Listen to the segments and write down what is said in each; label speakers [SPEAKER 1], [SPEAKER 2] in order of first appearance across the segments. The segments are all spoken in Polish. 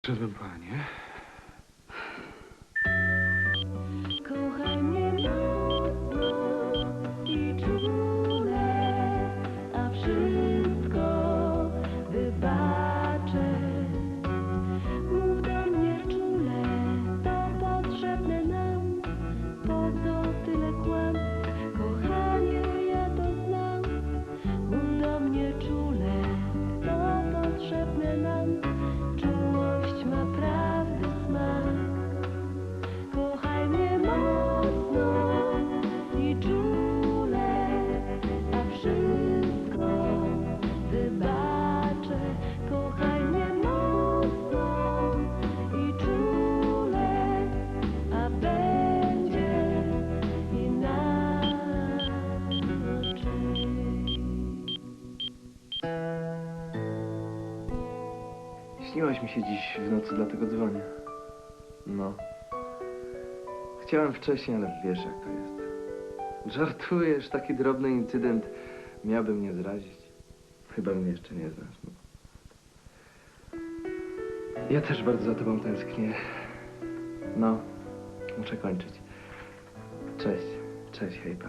[SPEAKER 1] Szedłem, panie.
[SPEAKER 2] Kochaj mnie mocno i czule, a wszystko wybaczę. Mów do mnie czule, to potrzebne nam, po co tyle kłam? Kochanie, ja to znam. Mów do mnie czule, to potrzebne nam, czułość ma prawdy smak. Kochaj mnie mocno i czule, a wszystko wybaczę. Kochaj mnie mocno i czule, a będzie inaczej.
[SPEAKER 3] Śniłaś mi się dziś w nocy, dlatego dzwonię. No. Chciałem wcześniej, ale wiesz jak to jest. Żartujesz, taki drobny incydent miałby mnie zrazić. Chyba mnie jeszcze nie znasz, no. Ja też bardzo za tobą tęsknię. No, muszę kończyć. Cześć, cześć, hejpa.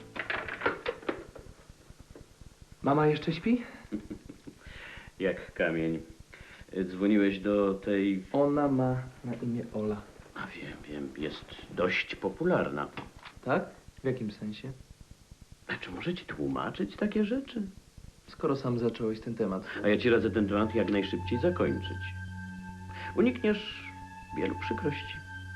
[SPEAKER 3] Mama jeszcze śpi?
[SPEAKER 4] Jak kamień. Dzwoniłeś do tej...
[SPEAKER 3] Ona ma na imię Ola.
[SPEAKER 4] A wiem, jest dość popularna.
[SPEAKER 3] Tak? W jakim sensie?
[SPEAKER 4] A czy może ci tłumaczyć takie rzeczy?
[SPEAKER 3] Skoro sam zacząłeś ten temat.
[SPEAKER 4] A ja ci radzę ten temat jak najszybciej zakończyć. Unikniesz wielu przykrości.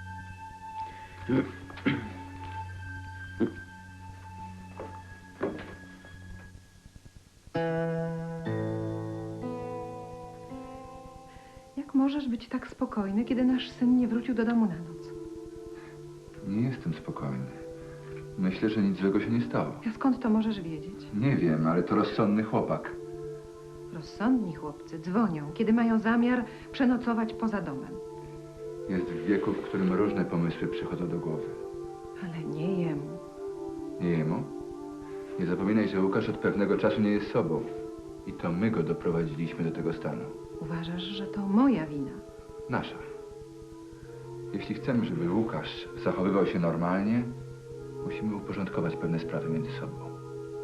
[SPEAKER 5] Jak możesz być tak spokojny, kiedy nasz syn nie wrócił do domu na noc?
[SPEAKER 1] Nie jestem spokojny. Myślę, że nic złego się nie stało.
[SPEAKER 5] A skąd to możesz wiedzieć?
[SPEAKER 1] Nie wiem, ale to rozsądny chłopak.
[SPEAKER 5] Rozsądni chłopcy dzwonią, kiedy mają zamiar przenocować poza domem.
[SPEAKER 1] Jest w wieku, w którym różne pomysły przychodzą do głowy.
[SPEAKER 5] Ale nie jemu.
[SPEAKER 1] Nie jemu? Nie zapominaj, że Łukasz od pewnego czasu nie jest sobą. I to my go doprowadziliśmy do tego stanu.
[SPEAKER 5] Uważasz, że to moja wina.
[SPEAKER 1] Nasza. Jeśli chcemy, żeby Łukasz zachowywał się normalnie, musimy uporządkować pewne sprawy między sobą.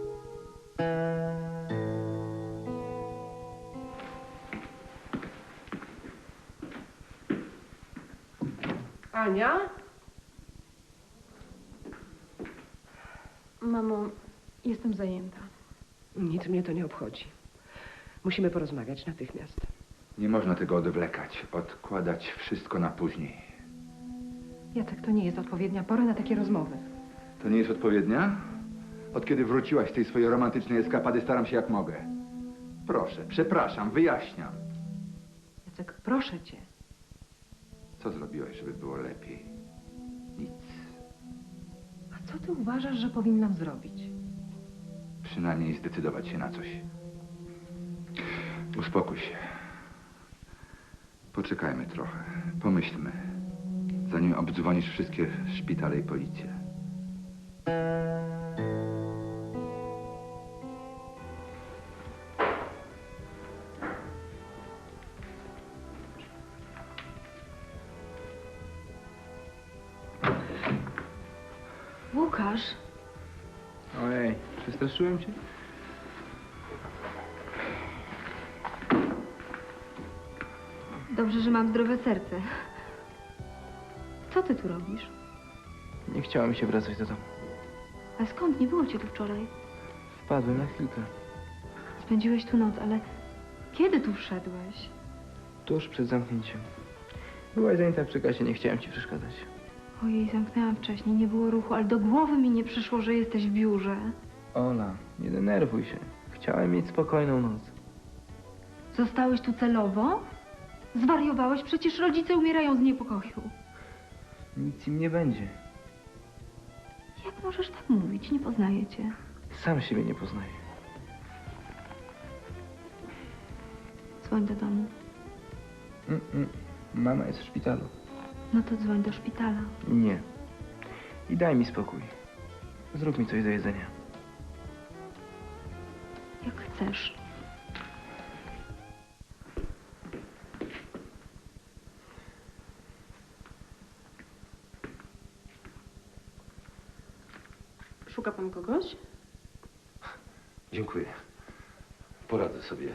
[SPEAKER 5] Ania?
[SPEAKER 6] Mamo, jestem zajęta.
[SPEAKER 7] Nic mnie to nie obchodzi. Musimy porozmawiać natychmiast.
[SPEAKER 1] Nie można tego odwlekać, odkładać wszystko na później.
[SPEAKER 5] Jacek, to nie jest odpowiednia pora na takie rozmowy.
[SPEAKER 1] To nie jest odpowiednia? Od kiedy wróciłaś z tej swojej romantycznej eskapady, staram się jak mogę. Proszę, przepraszam, wyjaśniam.
[SPEAKER 5] Jacek, proszę cię.
[SPEAKER 1] Co zrobiłaś, żeby było lepiej? Nic.
[SPEAKER 5] A co ty uważasz, że powinnam zrobić?
[SPEAKER 1] Przynajmniej zdecydować się na coś. Uspokój się. Poczekajmy trochę. Pomyślmy. Zanim obdzwonisz wszystkie szpitale i policję.
[SPEAKER 6] Łukasz,
[SPEAKER 3] Ojej, przestraszyłem cię?
[SPEAKER 6] dobrze, że mam zdrowe serce. Co ty tu robisz?
[SPEAKER 3] Nie chciało mi się wracać do domu.
[SPEAKER 6] A skąd? Nie było cię tu wczoraj.
[SPEAKER 3] Wpadłem na chwilkę.
[SPEAKER 6] Spędziłeś tu noc, ale kiedy tu wszedłeś?
[SPEAKER 3] Tuż przed zamknięciem. Byłaś zajęta przy kasie, nie chciałem ci przeszkadzać.
[SPEAKER 6] Ojej, zamknęłam wcześniej, nie było ruchu, ale do głowy mi nie przyszło, że jesteś w biurze.
[SPEAKER 3] Ola, nie denerwuj się. Chciałem mieć spokojną noc.
[SPEAKER 6] Zostałeś tu celowo? Zwariowałeś? Przecież rodzice umierają z niepokoju.
[SPEAKER 3] Nic im nie będzie.
[SPEAKER 6] Jak możesz tak mówić? Nie poznaję cię.
[SPEAKER 3] Sam siebie nie poznaję.
[SPEAKER 6] Dzwoń do domu.
[SPEAKER 3] Mama jest w szpitalu.
[SPEAKER 6] No to dzwoń do szpitala.
[SPEAKER 3] Nie. I daj mi spokój. Zrób mi coś do jedzenia.
[SPEAKER 6] Jak chcesz.
[SPEAKER 8] Szuka pan kogoś?
[SPEAKER 3] Dziękuję. Poradzę sobie.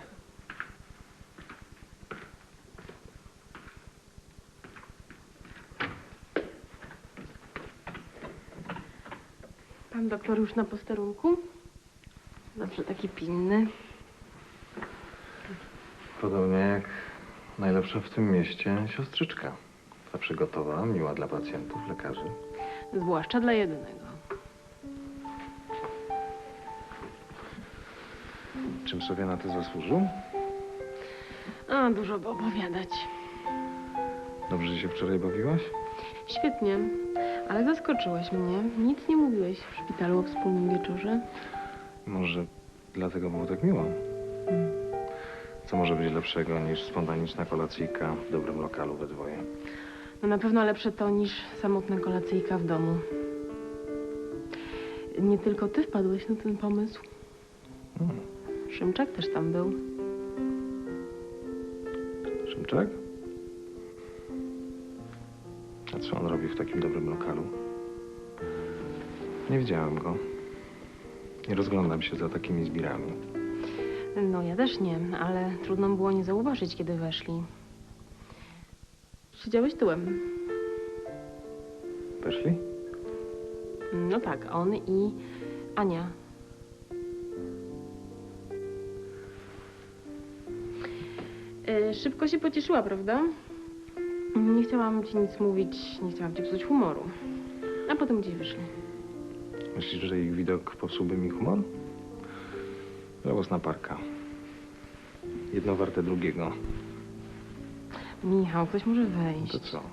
[SPEAKER 8] Pan doktor już na posterunku? Zawsze taki pilny.
[SPEAKER 3] Podobnie jak najlepsza w tym mieście siostrzyczka. Zawsze gotowa, miła dla pacjentów, lekarzy.
[SPEAKER 8] Zwłaszcza dla jednego.
[SPEAKER 3] Czym sobie na to zasłużył?
[SPEAKER 8] A, dużo by opowiadać.
[SPEAKER 3] Dobrze się wczoraj bawiłaś?
[SPEAKER 8] Świetnie, ale zaskoczyłeś mnie. Nic nie mówiłeś w szpitalu o wspólnym wieczorze.
[SPEAKER 3] Może dlatego było tak miło? Co może być lepszego niż spontaniczna kolacyjka w dobrym lokalu we dwoje?
[SPEAKER 8] No na pewno lepsze to niż samotna kolacyjka w domu. Nie tylko ty wpadłeś na ten pomysł. Szymczak też tam był.
[SPEAKER 3] Szymczak? A co on robi w takim dobrym lokalu? Nie widziałem go. Nie rozglądam się za takimi zbirami.
[SPEAKER 8] No ja też nie, ale trudno było nie zauważyć, kiedy weszli. Siedziałeś tyłem.
[SPEAKER 3] Weszli?
[SPEAKER 8] No tak, on i Ania. Szybko się pocieszyła, prawda? Nie chciałam ci nic mówić, nie chciałam ci psuć humoru. A potem gdzieś wyszli.
[SPEAKER 3] Myślisz, że ich widok popsułby mi humor? Żałosna parka. Jedno warte drugiego.
[SPEAKER 8] Michał, ktoś może wejść.
[SPEAKER 3] To co?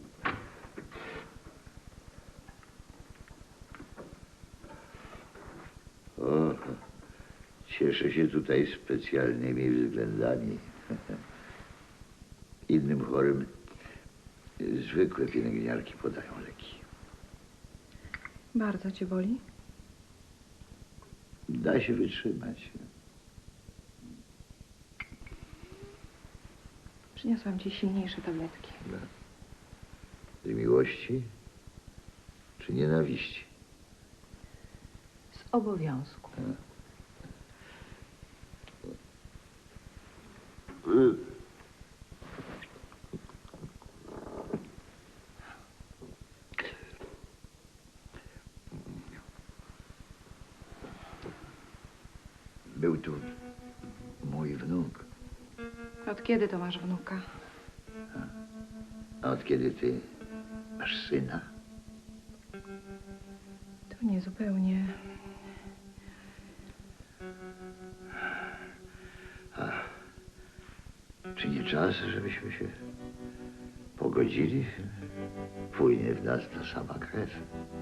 [SPEAKER 9] O, cieszę się tutaj specjalnymi względami. Innym chorym zwykłe pielęgniarki podają leki.
[SPEAKER 5] Bardzo cię boli?
[SPEAKER 9] Da się wytrzymać.
[SPEAKER 5] Przyniosłam ci silniejsze tabletki.
[SPEAKER 9] Z miłości czy nienawiści?
[SPEAKER 5] Z obowiązku.
[SPEAKER 9] Był tu mój wnuk.
[SPEAKER 5] Od kiedy to masz wnuka?
[SPEAKER 9] A od kiedy ty masz syna?
[SPEAKER 5] To nie zupełnie.
[SPEAKER 9] Czy nie czas, żebyśmy się pogodzili? Płynie w nas ta sama krew.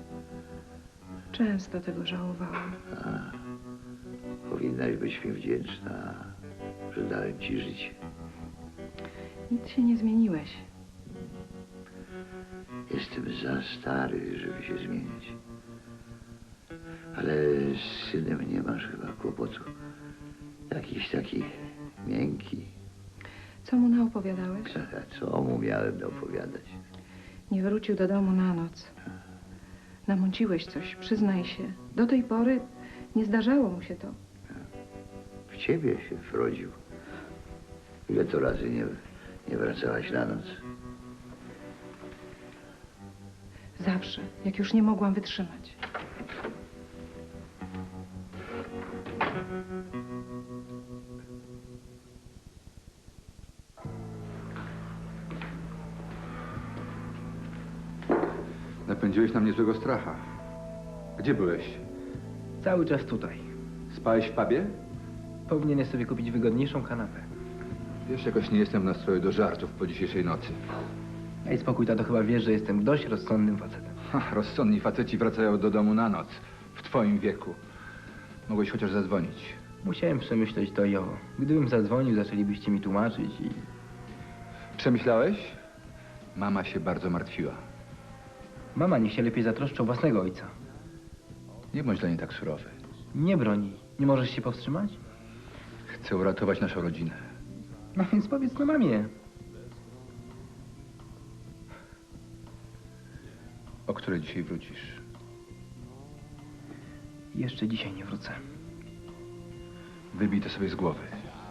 [SPEAKER 5] Często tego żałowałam.
[SPEAKER 9] Powinnaś być mi wdzięczna, że dałem ci życie.
[SPEAKER 5] Nic się nie zmieniłeś.
[SPEAKER 9] Jestem za stary, żeby się zmienić. Ale z synem nie masz chyba kłopotu. Jakiś taki miękki.
[SPEAKER 5] Co mu naopowiadałeś?
[SPEAKER 9] A co mu miałem opowiadać?
[SPEAKER 5] Nie wrócił do domu na noc. Namąciłeś coś, przyznaj się. Do tej pory nie zdarzało mu się to.
[SPEAKER 9] W ciebie się wrodził. Ile to razy nie wracałaś na noc?
[SPEAKER 5] Zawsze, jak już nie mogłam wytrzymać.
[SPEAKER 1] Napędziłeś na mnie złego stracha. Gdzie byłeś?
[SPEAKER 10] Cały czas tutaj.
[SPEAKER 1] Spałeś w pubie?
[SPEAKER 10] Powinieneś sobie kupić wygodniejszą kanapę.
[SPEAKER 1] Wiesz, jakoś nie jestem w nastroju do żartów po dzisiejszej nocy.
[SPEAKER 10] Daj spokój, tato, chyba wiesz, że jestem dość rozsądnym facetem.
[SPEAKER 1] Rozsądni faceci wracają do domu na noc. W twoim wieku. Mogłeś chociaż zadzwonić.
[SPEAKER 10] Musiałem przemyśleć to i owo. Gdybym zadzwonił, zaczęlibyście mi tłumaczyć i...
[SPEAKER 1] Przemyślałeś? Mama się bardzo martwiła.
[SPEAKER 10] Mama niech się lepiej zatroszczy o własnego ojca.
[SPEAKER 1] Nie bądź dla niej tak surowy.
[SPEAKER 10] Nie broni. Nie możesz się powstrzymać?
[SPEAKER 1] Chcę uratować naszą rodzinę.
[SPEAKER 10] No więc powiedz to mamie.
[SPEAKER 1] O której dzisiaj wrócisz?
[SPEAKER 10] Jeszcze dzisiaj nie wrócę.
[SPEAKER 1] Wybij to sobie z głowy.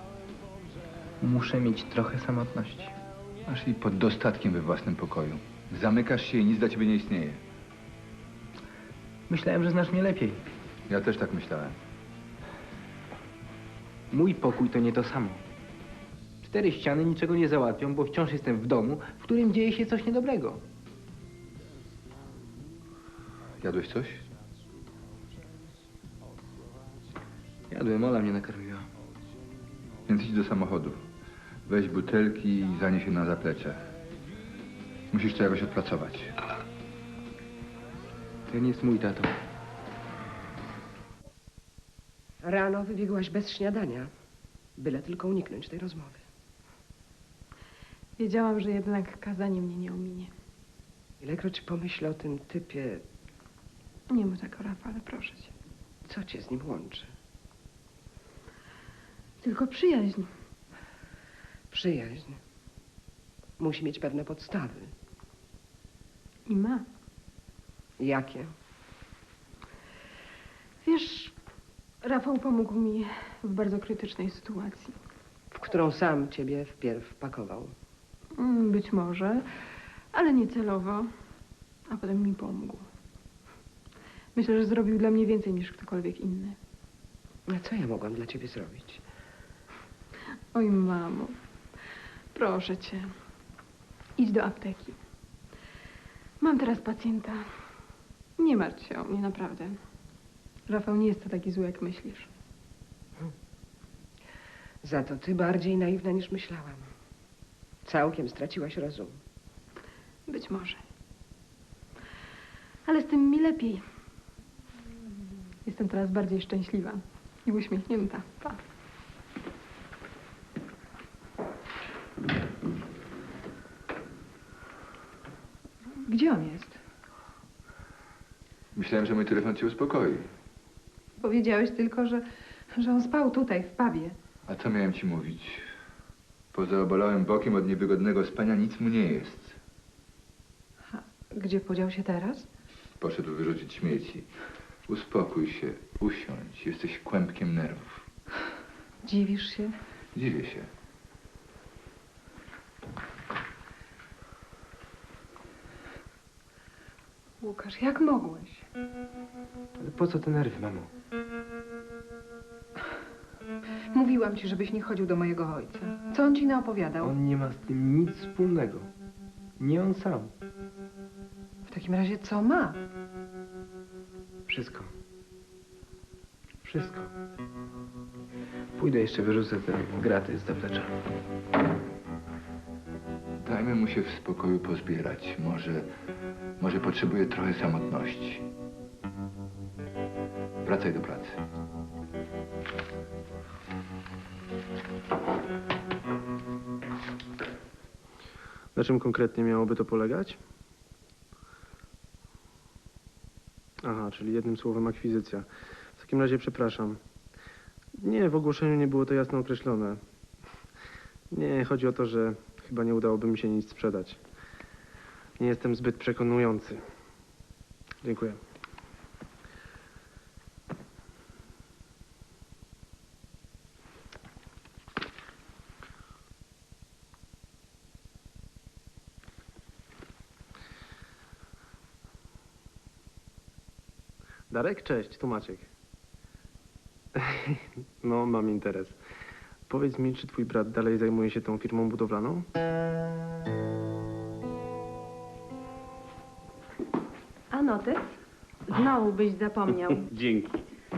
[SPEAKER 10] Muszę mieć trochę samotności.
[SPEAKER 1] Masz i pod dostatkiem we własnym pokoju. Zamykasz się i nic dla ciebie nie istnieje.
[SPEAKER 10] Myślałem, że znasz mnie lepiej.
[SPEAKER 1] Ja też tak myślałem.
[SPEAKER 10] Mój pokój to nie to samo. 4 ściany niczego nie załatwią, bo wciąż jestem w domu, w którym dzieje się coś niedobrego.
[SPEAKER 1] Jadłeś coś?
[SPEAKER 10] Jadłem, Ola mnie nakarmiła.
[SPEAKER 1] Więc idź do samochodu. Weź butelki i zanieś je na zaplecze. Musisz to jakoś odpracować.
[SPEAKER 10] Ten jest mój tato.
[SPEAKER 7] Rano wybiegłaś bez śniadania, byle tylko uniknąć tej rozmowy.
[SPEAKER 8] Wiedziałam, że jednak kazanie mnie nie ominie.
[SPEAKER 7] Ilekroć pomyślę o tym typie,
[SPEAKER 8] Nie mów tak o Rafale, proszę cię.
[SPEAKER 7] co cię z nim łączy?
[SPEAKER 8] Tylko przyjaźń.
[SPEAKER 7] Przyjaźń. Musi mieć pewne podstawy.
[SPEAKER 8] I ma.
[SPEAKER 7] Jakie?
[SPEAKER 8] Wiesz, Rafał pomógł mi w bardzo krytycznej sytuacji.
[SPEAKER 7] W którą sam ciebie wpierw wpakował.
[SPEAKER 8] Być może, ale nie celowo. A potem mi pomógł. Myślę, że zrobił dla mnie więcej niż ktokolwiek inny.
[SPEAKER 7] A co ja mogłam dla ciebie zrobić?
[SPEAKER 8] Oj, mamo. Proszę cię. Idź do apteki. Mam teraz pacjenta. Nie martw się o mnie, naprawdę. Rafał nie jest to taki zły, jak myślisz.
[SPEAKER 7] Za to ty bardziej naiwna niż myślałam. Całkiem straciłaś rozum.
[SPEAKER 8] Być może. Ale z tym mi lepiej. Jestem teraz bardziej szczęśliwa i uśmiechnięta. Pa. Gdzie on jest?
[SPEAKER 1] Myślałem, że mój telefon cię uspokoi.
[SPEAKER 5] Powiedziałeś tylko, że on spał tutaj, w pubie.
[SPEAKER 1] A co miałem ci mówić? Poza obalałym bokiem od niewygodnego spania nic mu nie jest.
[SPEAKER 5] Gdzie podział się teraz?
[SPEAKER 1] Poszedł wyrzucić śmieci. Uspokój się, usiądź. Jesteś kłębkiem nerwów.
[SPEAKER 5] Dziwisz się?
[SPEAKER 1] Dziwię się.
[SPEAKER 5] Łukasz, jak mogłeś?
[SPEAKER 10] Ale po co te nerwy, mamo?
[SPEAKER 5] Mówiłam ci, żebyś nie chodził do mojego ojca. Co on ci naopowiadał?
[SPEAKER 10] On nie ma z tym nic wspólnego. Nie on sam.
[SPEAKER 5] W takim razie co ma?
[SPEAKER 10] Wszystko. Wszystko. Pójdę jeszcze wyrzucę te graty z zaplecza.
[SPEAKER 1] Dajmy mu się w spokoju pozbierać. Może potrzebuje trochę samotności. Wracaj do pracy.
[SPEAKER 11] Na czym konkretnie miałoby to polegać? Aha, czyli jednym słowem akwizycja. W takim razie przepraszam. Nie, w ogłoszeniu nie było to jasno określone. Nie, chodzi o to, że chyba nie udałoby mi się nic sprzedać. Nie jestem zbyt przekonujący. Dziękuję. Darek, cześć, tu Maciek. No, mam interes. Powiedz mi, czy twój brat dalej zajmuje się tą firmą budowlaną?
[SPEAKER 8] A notes? Znowu byś zapomniał.
[SPEAKER 4] Dzięki.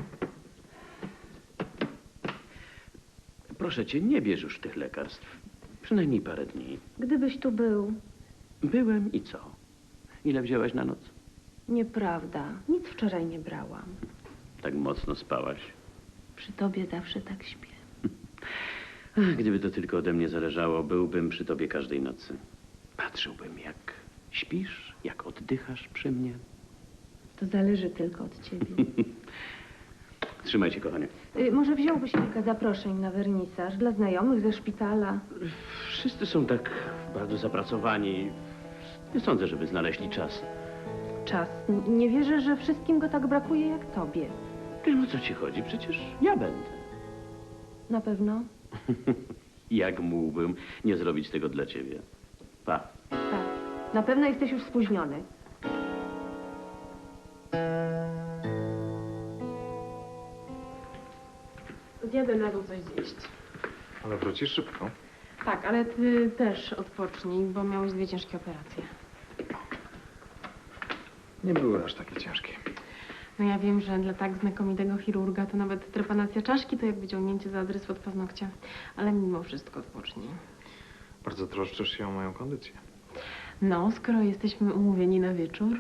[SPEAKER 4] Proszę cię, nie bierz już tych lekarstw. Przynajmniej parę dni.
[SPEAKER 6] Gdybyś tu był.
[SPEAKER 4] Byłem i co? Ile wzięłaś na noc?
[SPEAKER 6] Nieprawda. Nic wczoraj nie brałam.
[SPEAKER 4] Tak mocno spałaś.
[SPEAKER 6] Przy tobie zawsze tak śpię.
[SPEAKER 4] Ach, gdyby to tylko ode mnie zależało, byłbym przy tobie każdej nocy. Patrzyłbym, jak śpisz, jak oddychasz przy mnie.
[SPEAKER 6] To zależy tylko od ciebie.
[SPEAKER 4] Trzymaj się, kochanie.
[SPEAKER 6] Może wziąłbyś kilka zaproszeń na wernisaż dla znajomych ze szpitala?
[SPEAKER 4] Wszyscy są tak bardzo zapracowani. Nie sądzę, żeby znaleźli czas.
[SPEAKER 6] Czas. Nie wierzę, że wszystkim go tak brakuje jak tobie.
[SPEAKER 4] No co ci chodzi? Przecież ja będę.
[SPEAKER 6] Na pewno?
[SPEAKER 4] Jak mógłbym nie zrobić tego dla ciebie? Pa.
[SPEAKER 6] Tak. Na pewno jesteś już spóźniony.
[SPEAKER 8] Zjadę na dół coś zjeść.
[SPEAKER 11] Ale wrócisz szybko.
[SPEAKER 8] Tak, ale ty też odpocznij, bo miałeś 2 ciężkie operacje.
[SPEAKER 11] Nie były aż takie ciężkie.
[SPEAKER 8] No ja wiem, że dla tak znakomitego chirurga to nawet trepanacja czaszki to jak wyciągnięcie za adres od paznokcia. Ale mimo wszystko odpocznij.
[SPEAKER 11] Bardzo troszczysz się o moją kondycję.
[SPEAKER 8] No, skoro jesteśmy umówieni na wieczór.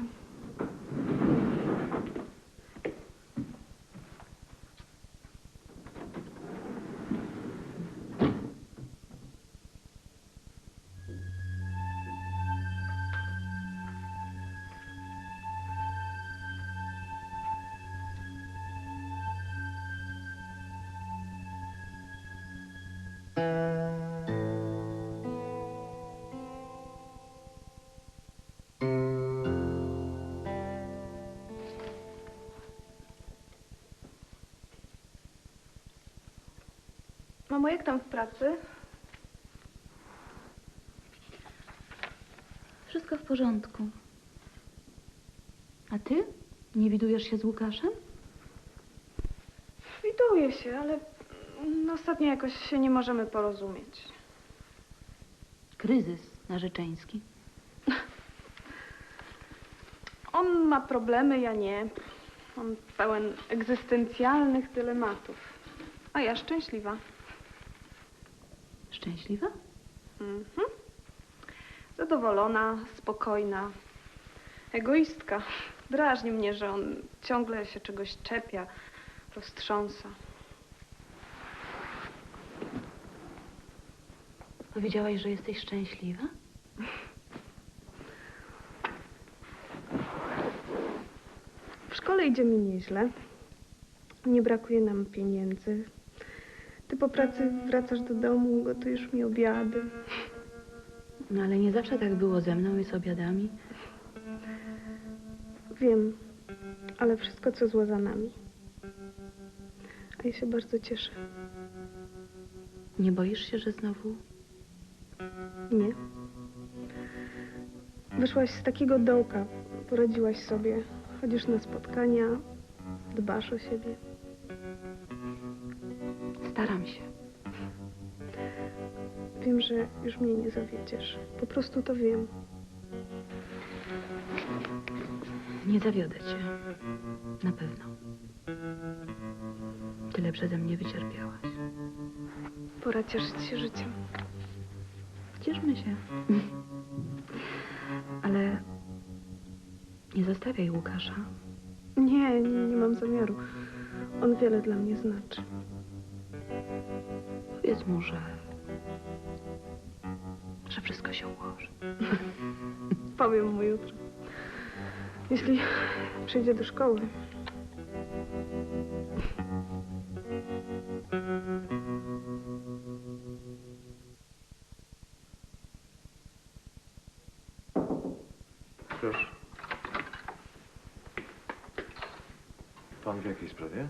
[SPEAKER 12] Mamo, jak tam w pracy?
[SPEAKER 13] Wszystko w porządku. A ty? Nie widujesz się z Łukaszem?
[SPEAKER 12] Widuję się, ale ostatnio jakoś się nie możemy porozumieć.
[SPEAKER 13] Kryzys narzeczeński.
[SPEAKER 12] On ma problemy, ja nie. On pełen egzystencjalnych dylematów. A ja szczęśliwa.
[SPEAKER 13] Szczęśliwa?
[SPEAKER 12] Mhm. Zadowolona, spokojna. Egoistka. Drażni mnie, że on ciągle się czegoś czepia, roztrząsa.
[SPEAKER 13] Powiedziałaś, że jesteś szczęśliwa?
[SPEAKER 12] W szkole idzie mi nieźle. Nie brakuje nam pieniędzy. Ty po pracy wracasz do domu, gotujesz mi obiady.
[SPEAKER 13] No ale nie zawsze tak było ze mną i z obiadami.
[SPEAKER 12] Wiem, ale wszystko, co złe za nami. A ja się bardzo cieszę.
[SPEAKER 13] Nie boisz się, że znowu...
[SPEAKER 12] Nie. Wyszłaś z takiego dołka, poradziłaś sobie. Chodzisz na spotkania, dbasz o siebie.
[SPEAKER 13] Staram się.
[SPEAKER 12] Wiem, że już mnie nie zawiedziesz. Po prostu to wiem.
[SPEAKER 13] Nie zawiodę cię. Na pewno. Tyle przeze mnie wycierpiałaś.
[SPEAKER 12] Pora cieszyć się życiem.
[SPEAKER 13] Cieszmy się. Ale nie zostawiaj Łukasza.
[SPEAKER 12] Nie mam zamiaru. On wiele dla mnie znaczy.
[SPEAKER 13] Powiedz mu, że wszystko się ułoży.
[SPEAKER 12] Powiem mu jutro. Jeśli przyjdzie do szkoły.
[SPEAKER 11] Proszę. Pan w jakiej sprawie?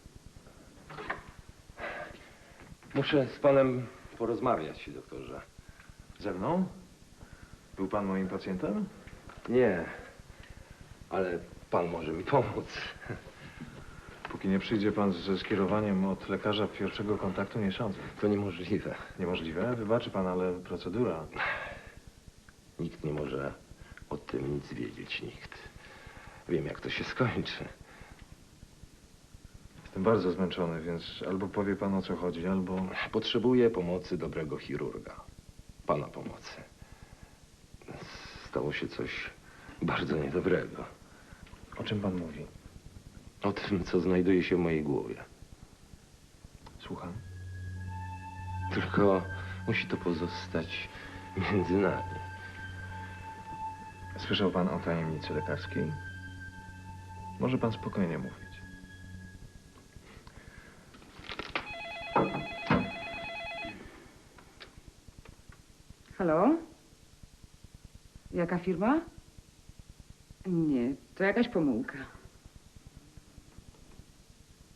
[SPEAKER 14] Muszę z panem porozmawiać, doktorze.
[SPEAKER 11] Ze mną? Był pan moim pacjentem?
[SPEAKER 14] Nie, ale pan może mi pomóc.
[SPEAKER 11] Póki nie przyjdzie pan ze skierowaniem od lekarza pierwszego kontaktu, nie sądzę.
[SPEAKER 14] To niemożliwe.
[SPEAKER 11] Niemożliwe? Wybaczy pan, ale procedura...
[SPEAKER 14] Nikt nie może o tym nic wiedzieć, nikt. Wiem, jak to się skończy.
[SPEAKER 11] Jestem bardzo zmęczony, więc albo powie pan, o co chodzi, albo...
[SPEAKER 14] Potrzebuję pomocy dobrego chirurga. Pana pomocy. Stało się coś bardzo niedobrego.
[SPEAKER 11] O czym pan mówi?
[SPEAKER 14] O tym, co znajduje się w mojej głowie.
[SPEAKER 11] Słucham.
[SPEAKER 14] Tylko musi to pozostać między nami.
[SPEAKER 11] Słyszał pan o tajemnicy lekarskiej? Może pan spokojnie mówić.
[SPEAKER 5] Halo? Jaka firma? Nie, to jakaś pomyłka.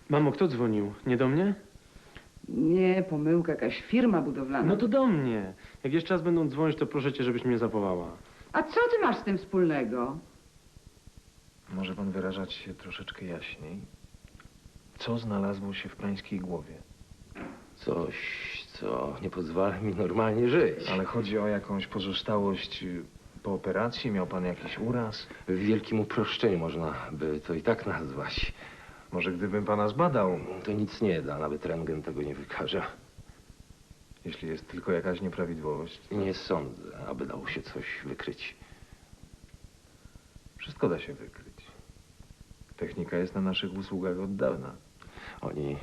[SPEAKER 11] Mamo, kto dzwonił? Nie do mnie?
[SPEAKER 5] Nie, pomyłka, jakaś firma budowlana.
[SPEAKER 11] No to do mnie. Jak jeszcze raz będą dzwonić, to proszę cię, żebyś mnie zawołała.
[SPEAKER 5] A co ty masz z tym wspólnego?
[SPEAKER 3] Może pan wyrażać się troszeczkę jaśniej? Co znalazło się w pańskiej głowie?
[SPEAKER 14] Coś, co nie pozwala mi normalnie żyć.
[SPEAKER 3] Ale chodzi o jakąś pozostałość po operacji? Miał pan jakiś uraz?
[SPEAKER 14] W wielkim uproszczeniu można by to i tak nazwać.
[SPEAKER 3] Może gdybym pana zbadał?
[SPEAKER 14] To nic nie da, nawet rentgen tego nie wykaże.
[SPEAKER 3] Jeśli jest tylko jakaś nieprawidłowość.
[SPEAKER 14] Nie sądzę, aby dało się coś wykryć.
[SPEAKER 3] Wszystko da się wykryć. Technika jest na naszych usługach od dawna.
[SPEAKER 14] Oni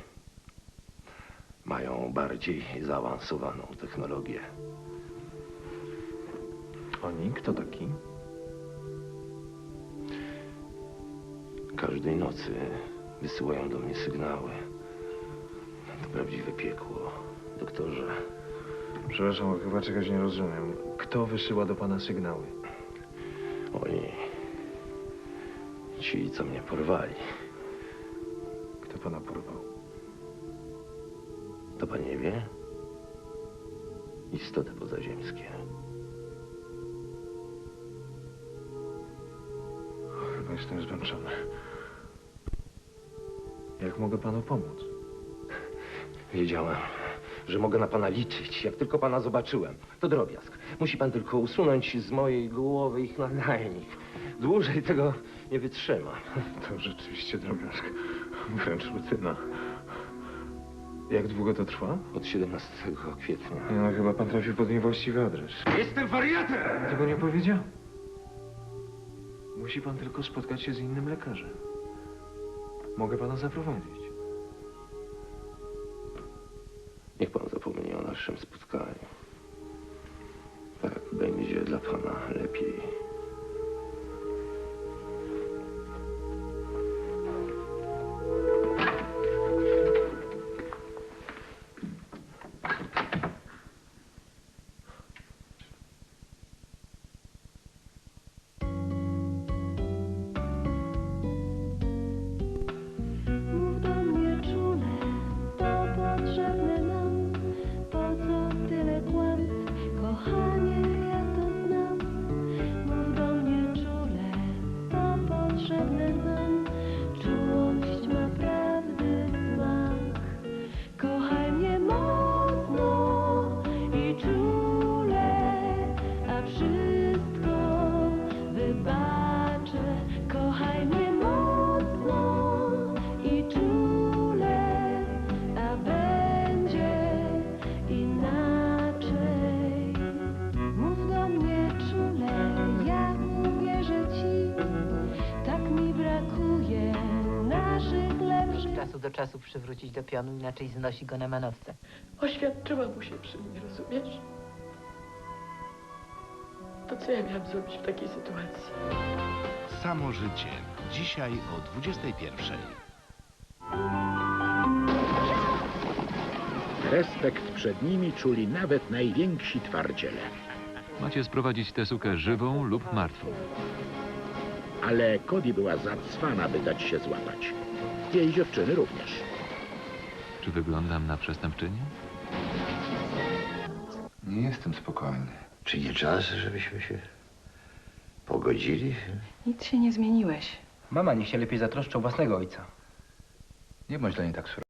[SPEAKER 14] mają bardziej zaawansowaną technologię.
[SPEAKER 3] Oni? Kto taki?
[SPEAKER 14] Każdej nocy wysyłają do mnie sygnały. To prawdziwe piekło, doktorze.
[SPEAKER 3] Przepraszam, chyba czegoś nie rozumiem. Kto wysyła do pana sygnały?
[SPEAKER 14] Oni... Ci, co mnie porwali.
[SPEAKER 3] Kto pana porwał?
[SPEAKER 14] To pan nie wie? Istoty pozaziemskie.
[SPEAKER 3] Chyba jestem zmęczony. Jak mogę panu pomóc?
[SPEAKER 14] Wiedziałem, że mogę na pana liczyć, jak tylko pana zobaczyłem. To drobiazg. Musi pan tylko usunąć z mojej głowy ich nadajnik. Dłużej tego nie wytrzymam.
[SPEAKER 3] To rzeczywiście drobiazg. Wręcz rutyna. Jak długo to trwa?
[SPEAKER 14] Od 17 kwietnia.
[SPEAKER 3] No, chyba pan trafił pod niewłaściwy adres.
[SPEAKER 14] Jestem wariatem!
[SPEAKER 3] Tego nie powiedział. Musi pan tylko spotkać się z innym lekarzem. Mogę pana zaprowadzić.
[SPEAKER 14] Niech pan zapomni o naszym spotkaniu. Tak będzie dla pana lepiej.
[SPEAKER 2] Mów do mnie czule, to potrzebne nam. Po co tyle kłamstw, kochanie, ja to znam. Mów do mnie czule, to potrzebne nam. Czułość ma prawdy smak. Kochaj mnie mocno i czule, a wszystko wybaczę. Kochaj mnie mocno i czule, a będzie inaczej. Mów do mnie czule, ja uwierzę ci. Tak mi brakuje naszych lepszych.
[SPEAKER 15] Czasu do czasu przywrócić do pionu, inaczej znosi go na manowce.
[SPEAKER 16] Oświadczyła mu się przy mnie, rozumiesz? To co ja miałam zrobić w takiej sytuacji?
[SPEAKER 17] Samo życie. Dzisiaj o 21:00.
[SPEAKER 18] Respekt przed nimi czuli nawet najwięksi twardziele.
[SPEAKER 19] Macie sprowadzić tę sukę żywą lub martwą.
[SPEAKER 18] Ale Cody była zacwana, by dać się złapać. Jej dziewczyny również.
[SPEAKER 19] Czy wyglądam na przestępczynię?
[SPEAKER 1] Nie jestem spokojny.
[SPEAKER 9] Czy nie czas, żebyśmy się pogodzili?
[SPEAKER 5] Nic się nie zmieniłeś.
[SPEAKER 10] Mama niech się lepiej zatroszczy o własnego ojca.
[SPEAKER 1] Nie bądź dla niej tak surowy.